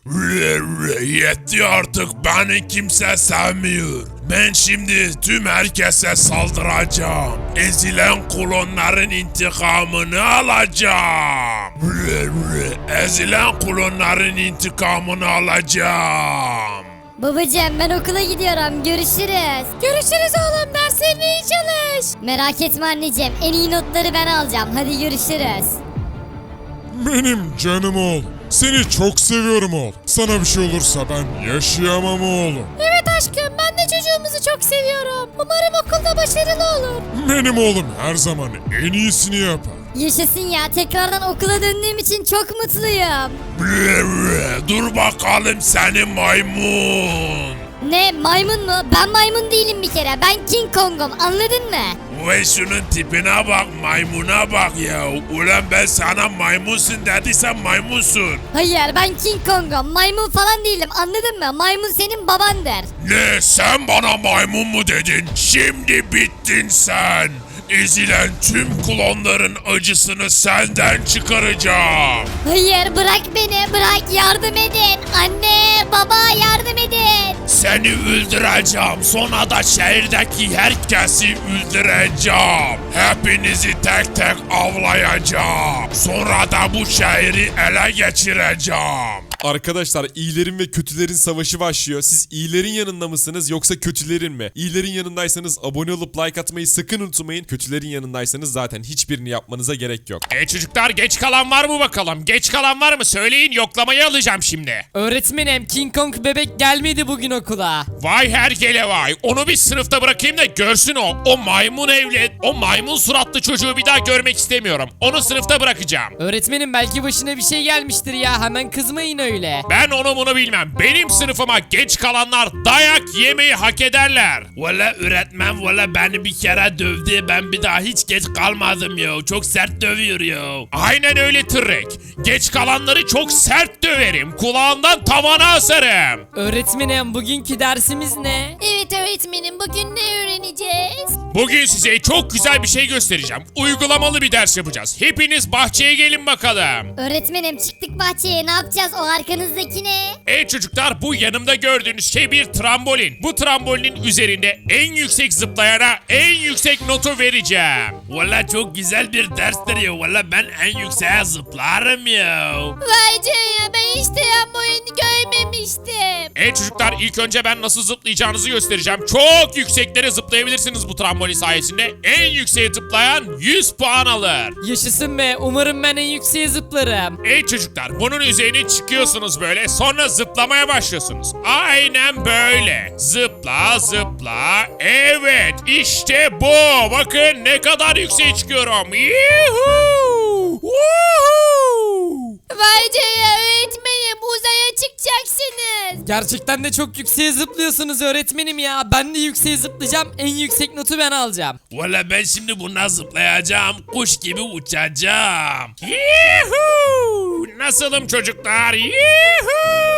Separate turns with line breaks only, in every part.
Yetti artık, beni kimse sevmiyor. Ben şimdi tüm herkese saldıracağım. Ezilen klonların intikamını alacağım. Ezilen klonların intikamını alacağım.
Babacığım ben okula gidiyorum. Görüşürüz. Görüşürüz oğlum. Derslerine iyi çalış. Merak etme anneciğim. En iyi notları ben alacağım. Hadi görüşürüz.
Benim canım oğlum. Seni çok seviyorum oğlum. Sana bir şey olursa ben yaşayamam oğlum.
Evet aşkım. Ben de çocuğumuzu çok seviyorum. Umarım okulda başarılı olur.
Benim oğlum her zaman en iyisini yapar.
Yaşasın ya. Tekrardan okula döndüğüm için çok mutluyum.
Dur bakalım seni maymun.
Ne maymun mu? Ben maymun değilim bir kere. Ben King Kong'um. Anladın mı?
Ve şunun tipine bak, maymuna bak ya. Ulan ben sana maymunsun dediysem maymunsun.
Hayır ben King Kong'um. Maymun falan değilim. Anladın mı? Maymun senin babandır.
Ne, sen bana maymun mu dedin? Şimdi bittin sen. Ezilen tüm klonların acısını senden çıkaracağım.
Hayır bırak beni. Bırak yardım edin. Anne baba yardım edin.
Seni öldüreceğim. Sonra da şehirdeki herkesi öldüreceğim. Hepinizi tek tek avlayacağım. Sonra da bu şehri ele geçireceğim.
Arkadaşlar iyilerin ve kötülerin savaşı başlıyor. Siz iyilerin yanında mısınız yoksa kötülerin mi? İyilerin yanındaysanız abone olup like atmayı sakın unutmayın. Kötülerin yanındaysanız zaten hiçbirini yapmanıza gerek yok.
Çocuklar, geç kalan var mı bakalım? Geç kalan var mı? Söyleyin, yoklamayı alacağım şimdi.
Öğretmenim King Kong bebek gelmedi bugün okula.
Vay hergele vay. Onu bir sınıfta bırakayım da görsün o. O maymun evlet, o maymun suratlı çocuğu bir daha görmek istemiyorum. Onu sınıfta bırakacağım.
Öğretmenim belki başına bir şey gelmiştir ya, hemen kızmayın öyle.
Ben onu bunu bilmem. Benim sınıfıma geç kalanlar dayak yemeyi hak ederler. Valla öğretmen valla beni bir kere dövdü. Ben bir daha hiç geç kalmadım ya. Çok sert dövüyor ya. Aynen öyle Tırrek. Geç kalanları çok sert döverim. Kulağından tavana asarım.
Öğretmenim bugünkü dersimiz ne?
Evet öğretmenim bugün ne öğreneceğiz?
Bugün size çok güzel bir şey göstereceğim. Uygulamalı bir ders yapacağız. Hepiniz bahçeye gelin bakalım.
Öğretmenim çıktık bahçeye ne yapacağız o arkanızdaki ne?
Çocuklar, bu yanımda gördüğünüz şey bir trambolin. Bu trambolinin üzerinde en yüksek zıplayana en yüksek notu vereceğim. Valla çok güzel bir derstir ya. Valla ben en yükseğe zıplarım ya.
Vay canına ben hiç trambolini görmemiştim.
Çocuklar, ilk önce ben nasıl zıplayacağınızı göstereceğim. Çok yükseklere zıplayabilirsiniz bu trambolin sayesinde. En yükseğe zıplayan 100 puan alır.
Yaşasın be, umarım ben en yükseğe zıplarım.
Çocuklar, bunun üzerine çıkıyorsunuz böyle, sonra zıplamaya başlıyorsunuz. Aynen böyle. Zıpla zıpla. Evet, işte bu. Bakın ne kadar yükseğe çıkıyorum. Yuhuu! Woohoo!
Vay canına öğretmenim uzaya çıkacaksınız.
Gerçekten de çok yükseğe zıplıyorsunuz öğretmenim ya. Ben de yükseğe zıplayacağım, en yüksek notu ben alacağım.
Valla ben şimdi buna zıplayacağım. Kuş gibi uçacağım. Yuhuu! Nasılım çocuklar? Yuhuu!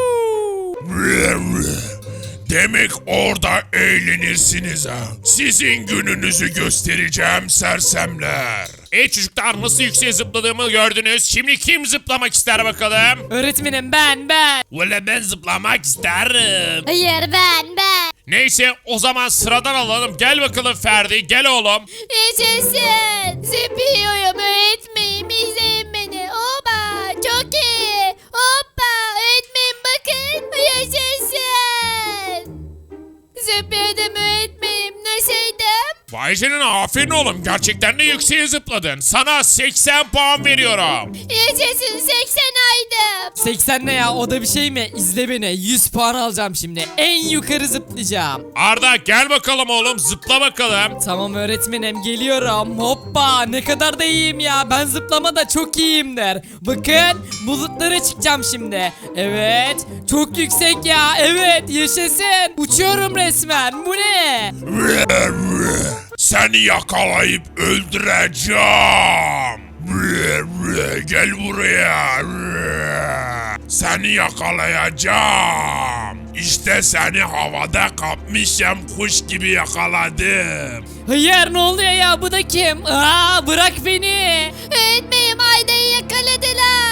Demek orada eğlenirsiniz ha. Sizin gününüzü göstereceğim sersemler. Çocuklar, nasıl yükseğe zıpladığımı gördünüz. Şimdi kim zıplamak ister bakalım?
Öğretmenim ben.
Valla ben zıplamak isterim.
Hayır ben.
Neyse, o zaman sıradan alalım. Gel bakalım Ferdi, gel oğlum.
Yaşasın. Zıplıyorum öğretmenim izleyin beni. Oba çok iyi. Hoppa öğretmenim bakın. Yaşasın. Zıpladım öğretmenim nasıldım?
Vay canına, aferin oğlum. Gerçekten de yükseğe zıpladın. Sana 80 puan veriyorum.
Yaşasın 80 aydım.
80 ne ya, o da bir şey mi? İzle beni, 100 puan alacağım şimdi. En yukarı zıplayacağım.
Arda, gel bakalım oğlum, zıpla bakalım.
Tamam öğretmenim geliyorum. Hoppa, ne kadar da iyiyim ya. Ben zıplamada çok iyiyimdir. Bakın bulutlara çıkacağım şimdi. Evet, çok yüksek ya. Evet, yaşasın. Uçuyorum resmen. Bu ne?
Seni yakalayıp öldüreceğim. Gel buraya. Seni yakalayacağım. İşte seni havada kapmışım, kuş gibi yakaladım.
Hayır, ne oluyor ya, bu da kim? Aa, bırak beni.
Öğretmenim Ayda'yı yakaladılar.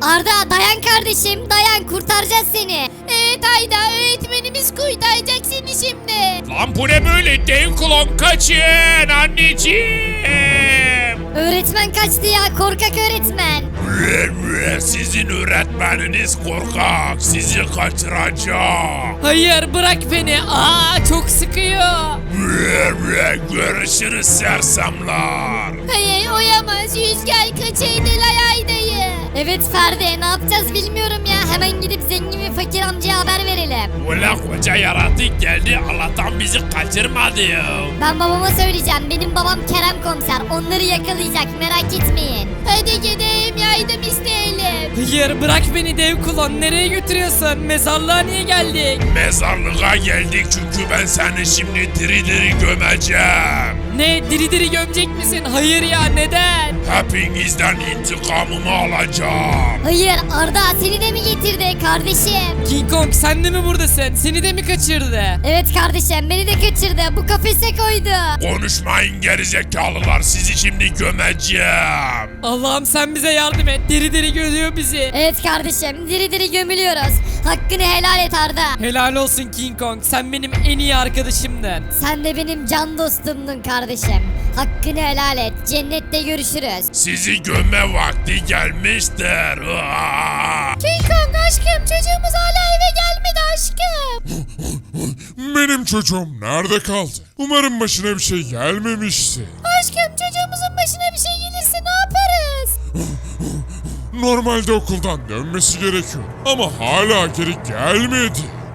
Arda dayan kardeşim dayan kurtaracağız seni. Evet Ayda öğretmenimiz kurtaracak seni şimdi.
Lan bu ne böyle? Dev klon kaçın anneciğim.
Öğretmen kaçtı ya korkak öğretmen.
Sizin öğretmeniniz korkak. Sizi kaçıracak.
Hayır bırak beni. Aa çok sıkıyor.
Görüşürüz sersemler.
Hayır oyamaz Rüzgar kaçırdılar Ayda'yı. Evet Ferdi ne yapacağız bilmiyorum ya hemen gidip zengin ve fakir amcaya haber verelim.
Ulan koca yaratık geldi. Allah'tan bizi kaçırmadı ya.
Ben babama söyleyeceğim benim babam Kerem komiser onları yakalayacak merak etmeyin. Hadi gidelim yardım isteyelim.
Hayır bırak beni dev kulon. Nereye götürüyorsun? Mezarlığa niye geldik?
Mezarlığa geldik çünkü ben seni şimdi diri diri gömeceğim.
Ne diri diri gömecek misin? Hayır ya neden?
Hepinizden intikamımı alacağım.
Hayır Arda seni de mi getirdi kardeşim?
King Kong sen de mi buradasın? Seni de mi kaçırdı?
Evet kardeşim beni de kaçırdı bu kafese koydu.
Konuşmayın gerizekalılar, sizi şimdi gömeceğim.
Allah'ım sen bize yardım et. Diri diri gömüyor bizi.
Evet kardeşim diri diri gömülüyoruz. Hakkını helal et Arda.
Helal olsun King Kong. Sen benim en iyi arkadaşımdın.
Sen de benim can dostumdun kardeşim. Hakkını helal et. Cennette görüşürüz.
Sizi gömme vakti gelmiştir.
King Kong aşkım çocuğumuz hala eve gelmedi aşkım.
Benim çocuğum nerede kaldı? Umarım başına bir şey gelmemiştir.
Aşkım çocuğumuzun başına bir şey gelirse ne yaparız?
Normalde okuldan dönmesi gerekiyor ama hala geri gelmedi.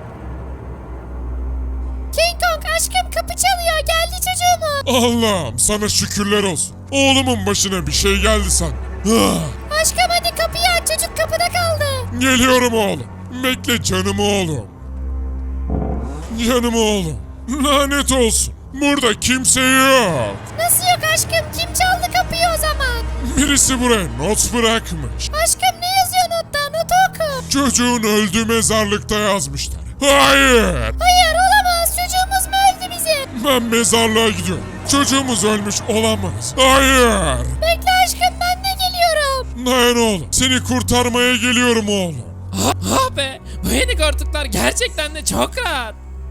King Kong aşkım kapı çalıyor geldi çocuğumuz.
Allah'ım sana şükürler olsun. Oğlumun başına bir şey geldi sandım. Ah,
Aşkım hadi kapıyı aç çocuk kapıda kaldı.
geliyorum oğlum. Bekle canım oğlum. Canım oğlum. Lanet olsun. Burada kimse yok.
Nasıl yok aşkım kim çaldı kapıyı o zaman?
Birisi buraya not bırakmış.
Aşkım ne yazıyor notta notu oku.
Çocuğun öldüğü mezarlıkta yazmışlar. Hayır.
Hayır olamaz çocuğumuz mu öldü bizim?
Ben mezarlığa gidiyorum. Çocuğumuz ölmüş olamaz. Hayır.
Bekle aşkım ben de geliyorum.
Dayan oğlum. Seni kurtarmaya geliyorum oğlum.
Ah be. Bu yeni koltuklar gerçekten de çok rahat.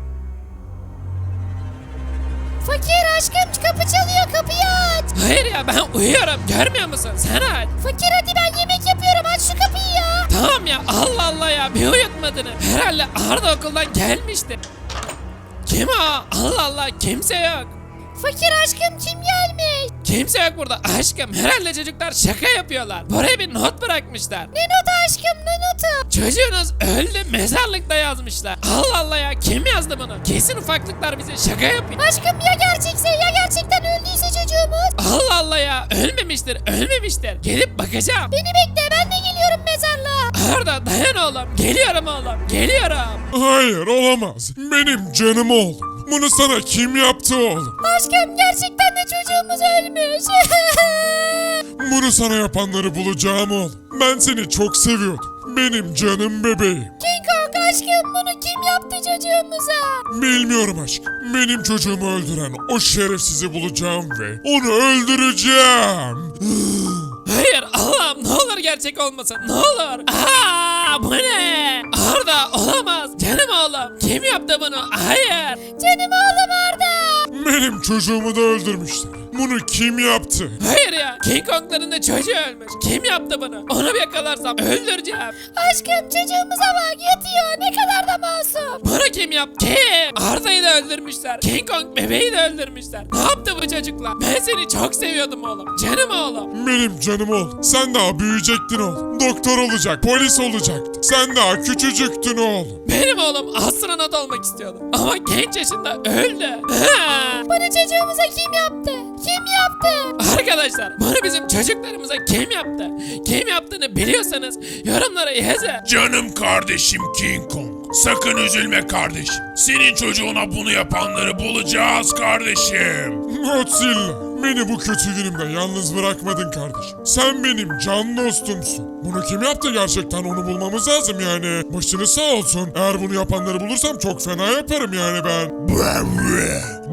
Fakir aşkım kapı çalıyor kapıyı aç.
Hayır ya ben uyuyorum. Görmüyor musun? Sen aç.
Fakir hadi ben yemek yapıyorum aç şu kapıyı ya.
Tamam ya Allah Allah ya bir uyutmadın. Herhalde Arda okuldan gelmiştir. Kim o? Allah Allah kimse yok.
Fakir aşkım kim gelmiş?
Kimse yok burada aşkım. Herhalde çocuklar şaka yapıyorlar. Buraya bir not bırakmışlar.
Ne notu aşkım ne notu?
Çocuğunuz öldü mezarlıkta yazmışlar. Allah Allah ya kim yazdı bunu? Kesin ufaklıklar bize şaka yapıyor.
Aşkım ya gerçekse ya gerçekten öldüyse çocuğumuz?
Allah Allah ya ölmemiştir ölmemiştir. Gelip bakacağım.
Beni bekle ben de geliyorum mezarlığa.
Arda dayan oğlum. Geliyorum oğlum. Geliyorum.
Hayır olamaz. Benim canım oğlum. Bunu sana kim yaptı oğlum?
Aşkım gerçekten de çocuğumuz ölmüş.
Bunu sana yapanları bulacağım oğlum. Ben seni çok seviyordum. Benim canım bebeğim.
King Kong aşkım bunu kim yaptı çocuğumuza?
Bilmiyorum aşkım. Benim çocuğumu öldüren o şerefsizi bulacağım ve onu öldüreceğim.
Hayır Allah'ım ne olur gerçek olmasın ne olur. Aa bu ne? Arda olamaz. Canım oğlum. Kim yaptı bunu? Hayır.
Canım oğlum Arda.
Benim çocuğumu da öldürmüşler. Bunu kim yaptı?
Hayır ya. King Kong'ların da çocuğu ölmüş. Kim yaptı bunu? Onu bir yakalarsam öldüreceğim.
Aşkım çocuğumuza bak yatıyor ne kadar da masum.
Bunu kim yaptı? Kim? Arda'yı da öldürmüşler. King Kong bebeği de öldürmüşler. Ne yaptı bu çocuklar? Ben seni çok seviyordum oğlum. Canım oğlum.
Benim canım oğlum. Sen daha büyüyecektin oğlum. Doktor olacak, polis olacaktın. Sen daha küçücüktün oğlum.
Benim oğlum astronot olmak istiyordu. Ama genç yaşında öldü. Ha!
Bunu çocuğumuza kim yaptı? Kim yaptı?
Arkadaşlar bunu bizim çocuklarımıza kim yaptı? Kim yaptığını biliyorsanız yorumlara yazın.
Canım kardeşim King Kong. Sakın üzülme kardeşim. Senin çocuğuna bunu yapanları bulacağız kardeşim.
Godzilla, beni bu kötü günümde yalnız bırakmadın kardeşim. Sen benim can dostumsun. Bunu kim yaptı gerçekten onu bulmamız lazım yani. Başınız sağ olsun. Eğer bunu yapanları bulursam çok fena yaparım yani ben.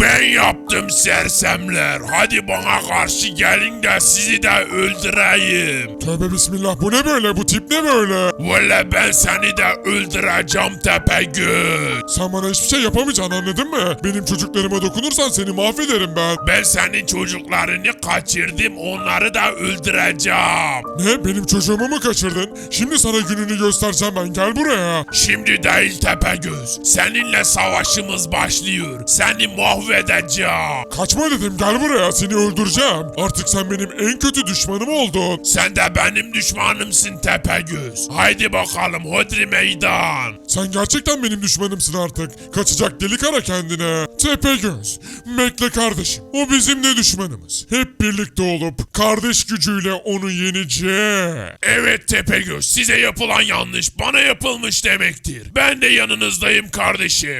Ben yaptım sersemler. Hadi bana karşı gelin de sizi de öldüreyim.
Tövbe bismillah, bu ne böyle, bu tip ne böyle?
Valla ben seni de öldüreceğim Tepegöz.
Sen bana hiçbir şey yapamayacaksın, anladın mı? Benim çocuklarıma dokunursan seni mahvederim ben.
Ben senin çocuklarını kaçırdım, onları da öldüreceğim.
Ne, benim çocuğumu mu kaçırdın? Şimdi sana gününü göstereceğim ben, gel buraya.
Şimdi değil Tepegöz. Seninle savaşımız başlıyor. Seni mahvedeceğim.
Kaçma dedim, gel buraya, seni öldüreceğim. Artık sen benim en kötü düşmanım oldun.
Sen de benim düşmanımsın Tepegöz. Haydi bakalım hodri meydan.
Sen gerçekten benim düşmanımsın artık. Kaçacak delik ara kendine. Tepegöz, bekle kardeşim. O bizim de düşmanımız. Hep birlikte olup kardeş gücüyle onu yeneceğiz.
Evet Tepegöz, size yapılan yanlış bana yapılmış demektir. Ben de yanınızdayım kardeşim.